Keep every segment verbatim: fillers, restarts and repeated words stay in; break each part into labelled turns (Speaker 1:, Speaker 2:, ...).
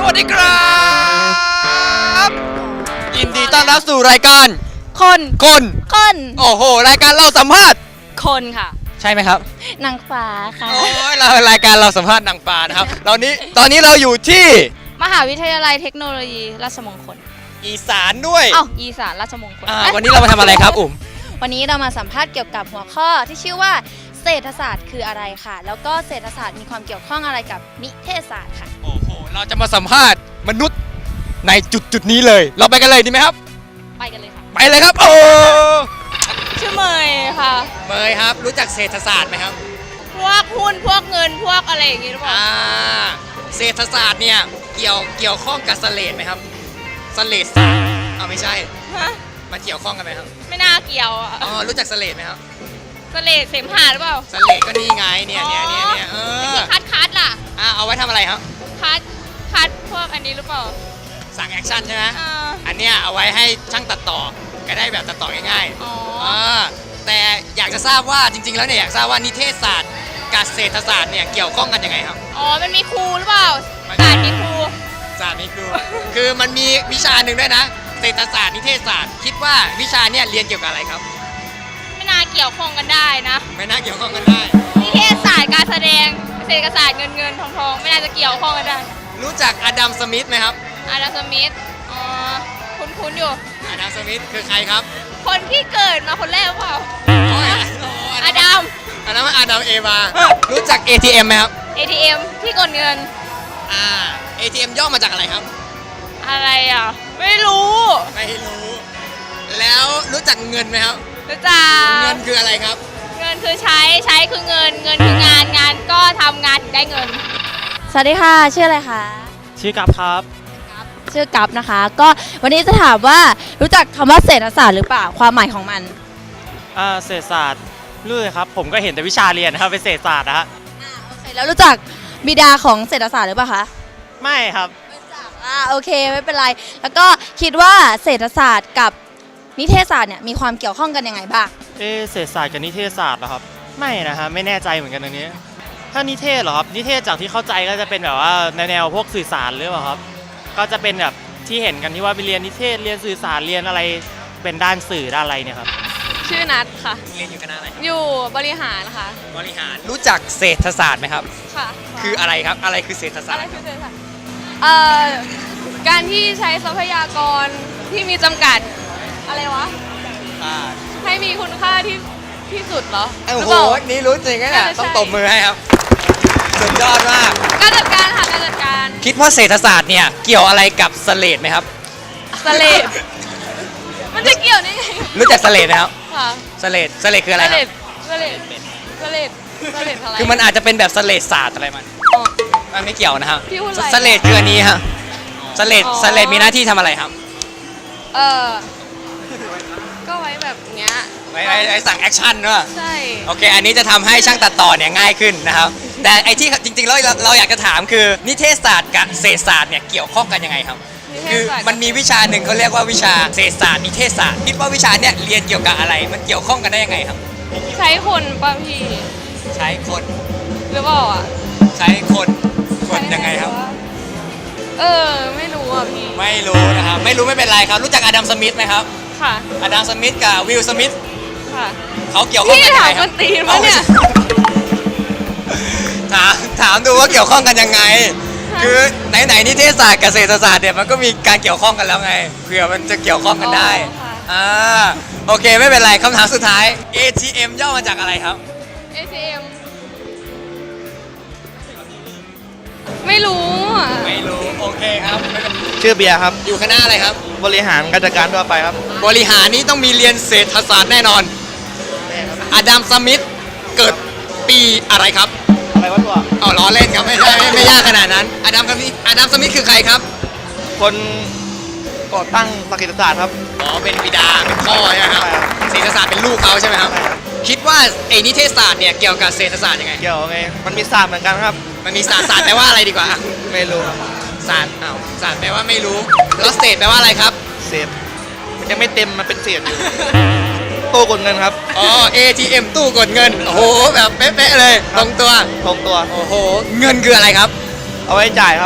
Speaker 1: วัสดีครับยินดีต้อนรับสู่รายการ
Speaker 2: คน
Speaker 1: คน
Speaker 2: คน
Speaker 1: โอ้โหรายการเราสัมภาษณ์
Speaker 2: คนค่ะ
Speaker 1: ใช่ไหมครับ
Speaker 2: นางฟ้าค่ะ
Speaker 1: โอ้ยเรารายการเราสัมภาษณ์นางฟ้านะครับตอนนี้ตอนนี้เราอยู่ที่
Speaker 2: มหาวิทยาลัยเทคโนโลยีราชมงคล
Speaker 1: อีสานด้วย
Speaker 2: อ้าวอีสานราชมงคล
Speaker 1: วันนี้เรามาทำอะไรครับอุ๋ม
Speaker 2: วันนี้เรามาสัมภาษณ์เกี่ยวกับหัวข้อที่ชื่อว่าเศรษฐศาสตร์คืออะไรค่ะแล้วก็เศรษฐศาสตร์มีความเกี่ยวข้องอะไรกับนิเทศศาสตร์ค่ะ
Speaker 1: โอ้โหเราจะมาสัมภาษณ์มนุษย์ในจุดจุดนี้เลยเราไปกันเลยดีไหมครับ
Speaker 2: ไปกันเลยค่ะ
Speaker 1: ไปเลยครับโอ้
Speaker 2: ชื่อเมยค่ะ
Speaker 1: เมยครับรู้จักเศรษฐศาสตร์ไหมครับ
Speaker 2: พวกหุ้นพวกเงินพวกอะไรอย่างงี้หรือเปล่า
Speaker 1: อ่าเศรษฐศาสตร์เนี่ยเกี่ยวเกี่ยวข้องกับเสลดไหมครับเสลดศาสตร์เอาไม่ใช่
Speaker 2: ฮะ
Speaker 1: มาเกี่ยวข้องกันไหมครับ
Speaker 2: ไม่น่าเกี่ยวอ่ะ
Speaker 1: อ๋อรู้จักเสลดไหมครับ
Speaker 2: เสลดเสมหะหรือเปล่า
Speaker 1: เสลดก็นี่ไงเนี่ยเนี่ยเนี่ยเนี่ยเออ
Speaker 2: ที่คัดคัดล่ะ
Speaker 1: อ่าเอาไว้ทำอะไรครับ
Speaker 2: คัดคัดพวกอันนี้หรือเปล่า
Speaker 1: สั่งแอคชั่นใช่ไหม
Speaker 2: อ่า
Speaker 1: อันเนี้ยเอาไว้ให้ช่างตัดต่อก็ได้แบบตัดต่อง่าย
Speaker 2: ๆอ๋อ
Speaker 1: แต่อยากจะทราบว่าจริงๆแล้วเนี่ยอยากทราบว่านิเทศศาสตร์กับเศรษฐศาสตร์เนี่ยเกี่ยวข้องกันยังไงครับ
Speaker 2: อ๋อมันมีครูหรือเปล่าศาสตร์มีครู
Speaker 1: ศาสตร์มีครูคือมันมีวิชาหนึ่งด้วยนะเศรษฐศาสตร์นิเทศศาสตร์คิดว่าวิชาเนี่ยเรียนเกี่ยวกับอะไรครับ
Speaker 2: ไม่น่าเกี่ยวข้องกันได้นะ
Speaker 1: ไม่น่าเกี่ยวข้องกันได้
Speaker 2: นิเทศศาสตร์การแสดงเศรษฐศาสตร์เงินเงินทองทองไม่น่าจะเกี่ยวข้องกันได้
Speaker 1: รู้จักอดัมสมิธไหมครับ
Speaker 2: อดัมสมิธอ๋อคุ้นๆอยู่
Speaker 1: อดัมสมิธคือใครครับ
Speaker 2: คนที่เกิดมาคนแรกหรือเปล่าอดัม
Speaker 1: อันนั้นมันอดัมเอวารู้จัก เอ ที เอ็ม ไหมครับ
Speaker 2: เอ ที เอ็ม ที่กดเงิน
Speaker 1: อ่า เอ ที เอ็ม ย่อมาจากอะไรครับ
Speaker 2: อะไรอ่ะไม่รู้
Speaker 1: ไม่รู้แล้วรู้จักเงินไหมครับ
Speaker 2: รู้จัก
Speaker 1: เงินคืออะไรครับ
Speaker 2: เงินคือใช้ใช้คือเงินเงินคืองานงานก็ทำงานถึงได้เงินสวัสดีค่ะชื่ออะไรคะ
Speaker 3: ชื่อกัปครับ
Speaker 2: ชื่อกัปนะคะก็วันนี้จะถามว่ารู้จักคำว่าเศรษฐศาสตร์หรือเปล่าความหมายของมัน
Speaker 3: อ่าเศรษฐศาสตร์รู้เลยครับผมก็เห็นแต่วิชาเรียนนะครับเป็นเศรษฐศาสตร์นะฮะ
Speaker 2: อ่าโอเคแล้วรู้จักบิดาของเศรษฐศาสตร์หรือเปล่าคะ
Speaker 3: ไม่ครับ
Speaker 2: ไม่รู้จักอ่าโอเคไม่เป็นไรแล้วก็คิดว่าเศรษฐศาสตร์กับนิเทศศาสตร์เนี่ยมีความเกี่ยวข้องกันยังไงบ้าง
Speaker 3: เออเศรษฐศาสตร์กับนิเทศศาสตร์เหรอครับไม่นะฮะไม่แน่ใจเหมือนกันตรงนี้ถ้านิเทศเหรอครับนิเทศจากที่เข้าใจก็จะเป็นแบบว่าแนวพวกสื่อสารหรือเปล่าครับก็จะเป็นแบบที่เห็นกันที่ว่าไปเรียนนิเทศเรียนสื่อสารเรียนอะไรเป็นด้านสื่อด้านอะไรเนี่ยครับ
Speaker 2: ชื่อนัทค่ะ
Speaker 1: เรียนอยู่คณะอะไร
Speaker 2: อยู่บริหารค่ะ
Speaker 1: บริหารรู้จักเศรษฐศาสตร์ไหมครับ
Speaker 2: ค่ะ
Speaker 1: คืออะไรครับอะไรคือเศรษฐศาสตร์
Speaker 2: อะไรคือเศรษฐศาสตร์เอ่อการที่ใช้ทรัพยากรที่มีจำกัดอะไรวะให้มีคุณค่าที่ที่สุดเหรอ
Speaker 1: โอ้โหนี่รู้จริงนะเนี่ยต้องตบมือให้ครับสุดยอดมาก
Speaker 2: การจัดการค่ะการจัดการ
Speaker 1: คิดว่าเศรษฐศาสตร์เนี่ยเกี่ยวอะไรกับเสลดไหมครับ
Speaker 2: เสลดมันจะเกี่ยวได้ไง
Speaker 1: รู้จักเสลดไหมครับ
Speaker 2: ค่ะ
Speaker 1: เสลดเสลดคืออะไรครับ
Speaker 2: เสลดเสลดเสลดอะไร
Speaker 1: คือมันอาจจะเป็นแบบเสลดศาสตร์อะไรมันมันไม่เกี่ยวนะครับเสลดคืออันนี้ฮะเสลดเสลดมีหน้าที่ทำอะไรครับ
Speaker 2: เออก็ไว้แบบเนี้ย
Speaker 1: ไว้ไว้สั่งแอคชั่นเนอะ
Speaker 2: ใช่
Speaker 1: โอเคอันนี้จะทำให้ช่างตัดต่อเนี่ยง่ายขึ้นนะครับแต่ไอที่จริงๆแล้วเราอยากจะถามคือนิเทศศาสตร์กับเศรษฐศาสตร์เนี่ยเกี่ยวข้องกันยังไงครับคือมันมีวิชาหนึ่งเขาเรียกว่าวิชาเศรษฐศาสตร์นิเทศศาสตร์คิดว่าวิชาเนี่ยเรียนเกี่ยวกับอะไรมันเกี่ยวข้องกันได้ยังไงครับ
Speaker 2: ใช้คนป่ะพี่
Speaker 1: ใช้คน
Speaker 2: หรือเปล่าอ่ะ
Speaker 1: ใช้คนคนยังไงครับ
Speaker 2: เออไม่รู้อ่ะพี่
Speaker 1: ไม่รู้นะครับไม่รู้ไม่เป็นไรครับรู้จักอดัมสมิธไหมครับ
Speaker 2: ค่ะ
Speaker 1: อดัมสมิธกับวิลสมิธ
Speaker 2: ค่ะ
Speaker 1: เขาเกี่ยวข้องกันยังไงครับ
Speaker 2: พี่ถามคนตีนวะเนี่ย
Speaker 1: ถามถามดูว่าเกี่ยวข้องกันยังไงคือไหนๆนิเทศศาสตร์กับเศรษฐศาสตร์เนี่ยมันก็มีการเกี่ยวข้องกันแล้วไงเผื่อมันจะเกี่ยวข้องกันได้อ่าโอเคไม่เป็นไรคำถามสุดท้าย เอ ที เอ็ม ย่อมาจากอะไรครับ
Speaker 2: เอ ที เอ็ม ไม่รู้
Speaker 1: ไม่รู้โอเคครับ
Speaker 3: ชื่อเบียร์ครับ
Speaker 1: อยู่คณะอะไรครับ
Speaker 3: บริหารการจัดการทั่วไปครับ
Speaker 1: บริหารนี้ต้องมีเรียนเศรษฐศาสตร์แน่นอนอดัมสมิธเกิดปีอะไรครับ
Speaker 3: อะไรวะตัว
Speaker 1: อ๋อล้อเล่นครับไม่ใช่ไม่ไม่ยากขนาดนั้นอดัมสมิธอดัมสมิธคือใครครับ
Speaker 3: คนก่อตั้งหลักเศรษฐศาสตร์ครับ
Speaker 1: อ๋อเป็นบิดาเป็นพ่อใช่ไหมครับเศรษฐศาสตร์เป็นลูกเขาใช่ไหมครับคิดว่าไอ้นิเทศศาสตร์เนี่ยเกี่ยวกับเศรษฐศาสตร์ยังไง
Speaker 3: เกี่ยวไงมันมีศาสตร์เหมือนกันครับ
Speaker 1: มันมีศาสตร์ศาสตร์แปลว่าอะไรดีกว่า
Speaker 3: ไม่รู้
Speaker 1: ศาสตร์อ้าวศาสตร์แปลว่าไม่รู้แล้วเศษแปลว่าอะไรครับ
Speaker 3: เศษมันยังไม่เต็มมันเป็นเศษอยู่ตู้กดเงินครับ
Speaker 1: อ๋อ เอ ที เอ็ม ตู้กดเงินโอ้โหแบบเป๊ะๆเลยตรงตัว
Speaker 3: ตรงตัว
Speaker 1: โอ้โหเงินคืออะไรครับ
Speaker 3: เอาไว้จ่ายครับ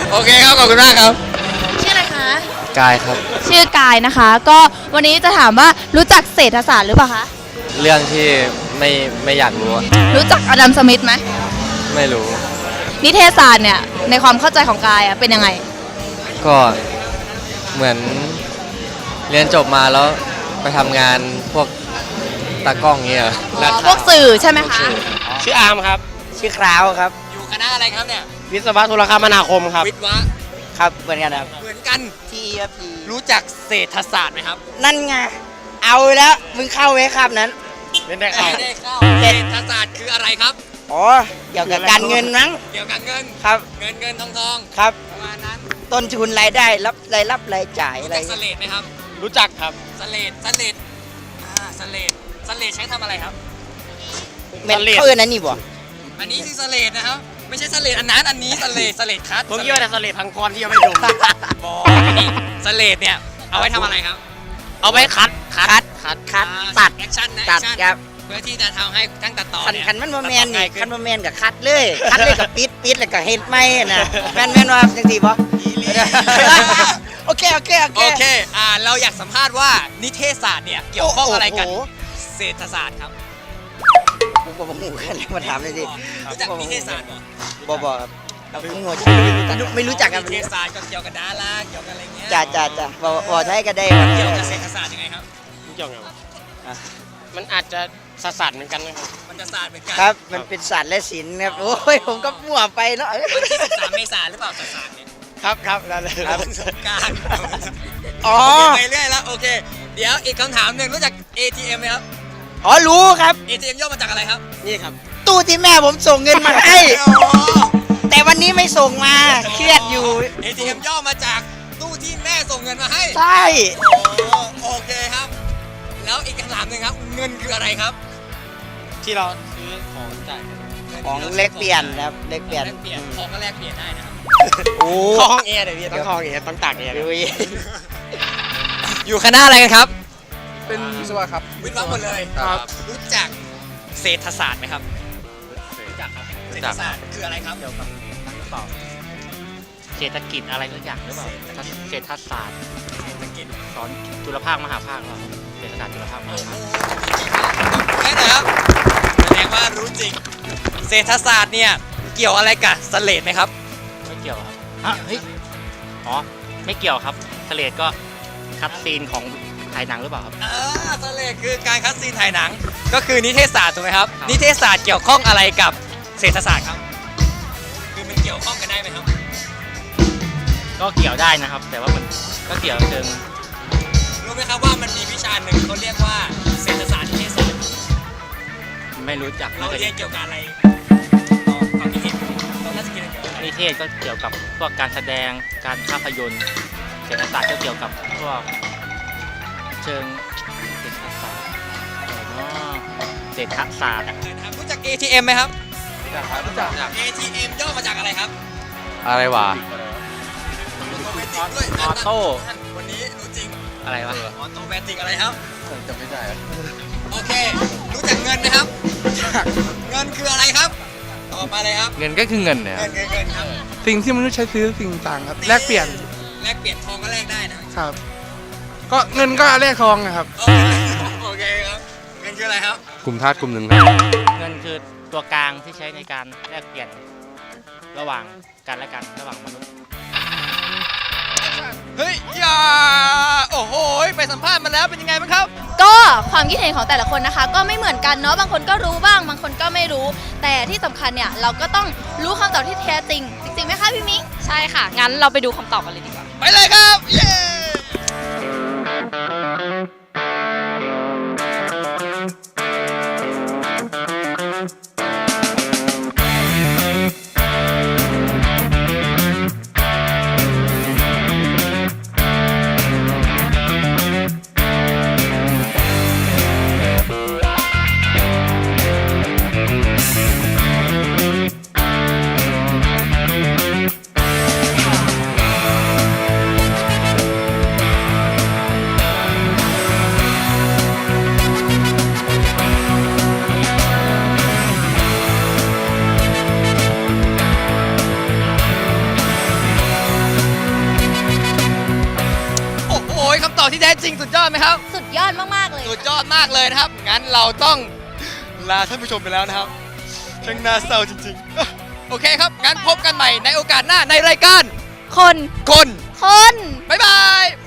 Speaker 1: โอเคครับ ขอบคุณมากครับ
Speaker 2: ชื่ออะไรคะ
Speaker 4: กายครับ
Speaker 2: ชื่อกายนะคะ ก็วันนี้จะถามว่ารู้จักเศรษฐศาสตร์หรือเปล่าคะ
Speaker 4: เรื่องที่ไม่ไม่อยากรู้อะ
Speaker 2: รู้จักอดัมสมิธไหม
Speaker 4: ไม่รู้
Speaker 2: นิเทศศาสตร์เนี่ยในความเข้าใจของกายอะเป็นยังไง
Speaker 4: ก็เหมือนเรียนจบมาแล้วไปทำงานพวกตากล้องเงี้ย
Speaker 2: อ๋อพวกสื่อใช่ไหมคะ
Speaker 5: ชื่ออาร์มครับ ชื่อคราวครับ
Speaker 1: อยู่คณะอะไรครับเนี่ย
Speaker 5: วิศวะโทรคมนาคมครับ
Speaker 1: วิทย์วะ
Speaker 5: ครับเหมือนกันครับ
Speaker 1: เหมือนกัน
Speaker 5: ทีพี
Speaker 1: รู้จักเศรษฐศาสตร์ไหมครับ
Speaker 5: นั่นไง เอาแล้ว มึงเข้าไว้ครับนั้น
Speaker 1: ไม่ได้เข้าเศรษฐศาสตร์คืออะไรครับ
Speaker 5: อ๋อ เกี่ยวกับการเงินมั้ง
Speaker 1: เกี่ยวกับเงิน
Speaker 5: ครับ
Speaker 1: เงินเงินทองทอง
Speaker 5: ครับ
Speaker 1: ประมาณนั้น
Speaker 5: ต้นทุนรายได้ รับรายรับรายจ่าย
Speaker 1: รู้
Speaker 5: อะไร
Speaker 1: จักสเลดไหมครับ
Speaker 5: รู้จักครับ
Speaker 1: สเลดสเลดอ่าสเลดสเลดใช้ทำอะไรครับ
Speaker 5: เม็ดเขาเอินอันนี้บ่
Speaker 1: อันนี้คือสเลดนะครับ ไม่ใช่สเลดอันนั้น อันนี้สเลดสเลดคัท
Speaker 5: ผมคิดว่าแต่สเลดพังกรที่ยังไม่ดู
Speaker 1: บออันนี้สเลดเนี่ย เอาไว้ทำอะไรครับ
Speaker 5: เอาไว้คัด คัด คัด คัด ตัด
Speaker 1: แอคชั่นนะ
Speaker 5: ตัด
Speaker 1: แอคชั่น
Speaker 5: ครับ
Speaker 1: เพื่อที่จะทำให้ทั้งตัดต่อ
Speaker 5: คัน
Speaker 1: เนี่ย
Speaker 5: คันมันโมแมนนี่
Speaker 1: ตัดต่อง่ายขึ้
Speaker 5: คันโมแมนกับคัดเลย คัดเลยกับปิดปิดแล้วก็เฮ็ดไม่นะแมนแมนว่าจังสีบ่โอเค โอเค โอเค
Speaker 1: โอเค อ่า เราอยากสัมภาษณ์ว่านิเทศศาสตร์เนี่ยเกี่ยวข้องอะไรกับ
Speaker 5: โโห
Speaker 1: เศรษฐศาสตร์ครับ
Speaker 5: ผมบอกผมกันเลยมาถามเลยดิ
Speaker 1: รู้จักนิเทศศาสตร์เหรอ
Speaker 5: บอบอครับเราเพิ่งหัวชื่อไม่รู้จักกัน
Speaker 1: นิเทศศาสตร์ก็เกี่ยวกับดาราเกี่ยวกับอะไรเงี้ย
Speaker 5: จ้าจ้าจ้าบอบอใช้ก็ได้ครับ
Speaker 1: เกี่ยวกับเศรษฐศาสตร์ยังไงครับ
Speaker 6: เกี่ยวไงวะ
Speaker 5: อ่ะ
Speaker 6: มันอาจจะสะสัดเหมือนกันนะครับ
Speaker 1: มันจะศาสตร์เหมือนกัน
Speaker 5: ครับ มันเป็นศาสตร์และศิลป์ครับ โอ้ย ผมก็มั่วไปเนาะ
Speaker 1: วันที่สิบสามเมษายนหรือเปล่าศาสตร์เนี่ย
Speaker 6: ครับครับแล้วเลย
Speaker 5: ครับ
Speaker 1: สงกราร
Speaker 5: อ๋อ
Speaker 1: ไปเรื่อยแล้วโอเค เดี๋ยวอีกคำถามหนึ่งรู้จัก เอ ที เอ็มไหมครับ
Speaker 5: อ๋อ รู้ครับ
Speaker 1: เอ ที เอ็ม ย่อมาจากอะไรครับ
Speaker 6: นี่ครับ
Speaker 5: ตู้ที่แม่ผมส่งเงินมาให้ แต่วันนี้ไม่ส่งมา เครียดอยู่
Speaker 1: เอ ที เอ็ม ย่อมาจากตู้ที่แม่ส่งเงินมาให้
Speaker 5: ใช่
Speaker 1: โอ้โอเคครับ แล้วอีกคำถามหนึ่งครับ เงินคืออะไรครับ
Speaker 6: ที่เราซื้อของจ่าย
Speaker 5: ของเล็กเปลี่ยนครับ เล็กเปลี่ยน
Speaker 1: แลกเปลี่ยนของก็แลกเปลี่ยนได้นะครับ
Speaker 5: โอ้
Speaker 6: เข้าห้องแอร์เดี๋ยวพี่ต้องเข้าห้องแอร์ต้องตากแอร์
Speaker 5: ดู
Speaker 6: เดี๋ยว
Speaker 5: อีก
Speaker 1: อยู่คณะอะไรกันครับ
Speaker 7: เป็นวิศวะครับ
Speaker 1: วิทย์วะหมดเลย
Speaker 7: ครับ
Speaker 1: รู้จักเศรษฐศาสตร์ไหมครับรู้จักครับเศรษฐศาสตร์คืออะไรครับเกี่ยวกับ
Speaker 3: เศรษฐกิจอะไรสักอย่างหรือเปล่าเศรษฐศาสตร์
Speaker 1: เศรษฐกิจ
Speaker 3: สอนจุลภาคมหาภาคหรือเปล่าเศรษฐศาสตร์จุลภาคมหาภาค
Speaker 1: แค่ไหนครับแสดงว่ารู้จริง เศรษฐศาสตร์เนี่ยเกี่ยวอะไรกับสเลดไหมครับ
Speaker 3: ไม่เกี่ยวครับฮะเฮ้ยอ๋อไม่เกี่ยวครับทะเลก็คัดซีนของถ่ายหนังหรือเปล่าครับ
Speaker 1: อ่าสเลดคือการคัดซีนถ่ายหนัง ก็คือนิเทศศาสตร์ถูกไหมครับ นิเทศศาสตร์เกี่ยวข้องอะไรกับเศรษฐศาสตร์ครับ คือมันเกี่ยวข้องกันได้ไหมครับ
Speaker 3: ก็เกี่ยวได้นะครับ แต่ว่ามันก็เกี่ยวเชิง
Speaker 1: รู้ไหมครับว่ามันมีวิชาหนึ่งเขาเรียกว่าเศรษฐศาสตร์นิเทศศาสตร์
Speaker 3: ไม่รู้จัก
Speaker 1: เรา
Speaker 3: น่าจะ
Speaker 1: เรียนเกี่ยวกับอะไรความคิดเห็นเราน่าจะคิดเกี่ยวกับอะไร
Speaker 3: นิเทศก็เกี่ยวกับพวกการแสดงการภาพยนตร์เศรษฐศาสตร์ก็เกี่ยวกับพวกเชิงเศรษฐศาสตร์อะไรเนาะเศรษฐศาสตร์
Speaker 1: นะครับรู้จัก เอ ที เอ็ม ไหมครับ
Speaker 7: รู้จักครับรู้จัก
Speaker 1: เอ ที เอ็ม ย่อมาจากอะไรครับ
Speaker 4: อะไรวะ
Speaker 1: ด้วย
Speaker 3: ออโต้
Speaker 1: วันนี้รู้จริง
Speaker 3: อะไรวะ
Speaker 1: ออโตแมติกอะไรครับ
Speaker 7: จำไม่ได้
Speaker 1: โอเค รู้จักเงินไหมครับ เงินคืออะไรครับ ตอบมาเลยครับ
Speaker 4: เงินก็คือเงินเนี่ย
Speaker 1: เงินเงินเงินครับ
Speaker 7: สิ่งที่มนุษย์ใช้ซื้อสิ่งต่างครับ แลกเปลี่ยน
Speaker 1: แลกเปลี่ยนทองก็แลกได้นะครับ
Speaker 7: ก็เงินก็แลกทองนะครับ
Speaker 1: โอเคครับ เงินคืออะไรครับ
Speaker 4: กลุ่มธาตุกลุ่มหนึ่งครับ
Speaker 3: เงินคือตัวกลางที่ใช้ในการแลกเปลี่ยนระหว่างกันและกันระหว่างมนุษย์
Speaker 1: เฮ้ยอย่าโอ้โห ไปสัมภาษณ์มาแล้วเป็นยังไงบ้างครับ
Speaker 2: ก็ความคิดเห็นของแต่ละคนนะคะ ก็ไม่เหมือนกันเนาะบางคนก็รู้บ้างบางคนก็ไม่รู้ แต่ที่สำคัญเนี่ยเราก็ต้องรู้คำตอบที่แท้จริง จริงๆไหมคะพี่มิ้งใช่ค่ะ งั้นเราไปดูคำตอบกันเลยดีกว่า
Speaker 1: ไปเลยครับ เย้ดไหมครับ
Speaker 2: สุดยอดมากๆเลย
Speaker 1: สุดยอดมากเลยนะครับ งั้นเราต้องลาท่านผู้ชมไปแล้วนะครับช่างน่าเศร้าจริงๆ โอเคครับ งั้นพบกันใหม่ในโอกาสหน้าในรายการ
Speaker 2: คน
Speaker 1: คน
Speaker 2: คน
Speaker 1: บ๊ายบาย